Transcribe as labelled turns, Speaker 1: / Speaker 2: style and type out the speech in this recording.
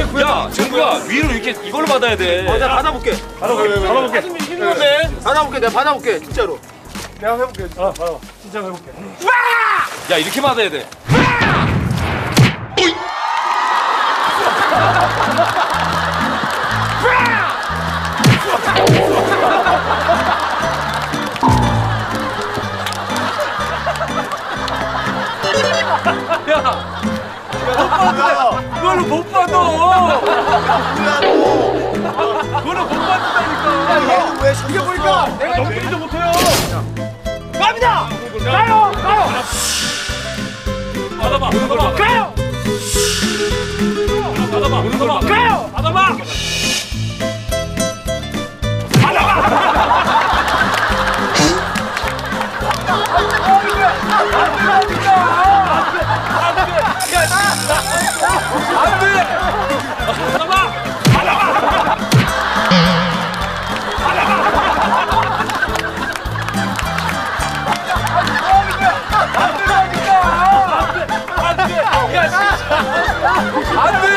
Speaker 1: 야, 정구야, 위로 이렇게 이걸로 받아야 돼.
Speaker 2: 내가 받아볼게.
Speaker 1: 받아볼게. 힘든데?
Speaker 2: 받아볼게. 내가 받아볼게. 진짜로.
Speaker 3: 내가 해볼게. 받아. 진짜 해볼게.
Speaker 1: 야, 이렇게 받아야 돼.
Speaker 3: 그걸로 못 받아. 그걸로 못 받는다니까.
Speaker 2: 왜 이게 보니까
Speaker 3: 내가 넘기지도 못해요.
Speaker 2: 갑니다. 가요.
Speaker 1: 받아봐.
Speaker 2: 가요.
Speaker 1: 받아봐.
Speaker 2: 가요.
Speaker 1: 받아봐.
Speaker 3: 안 돼.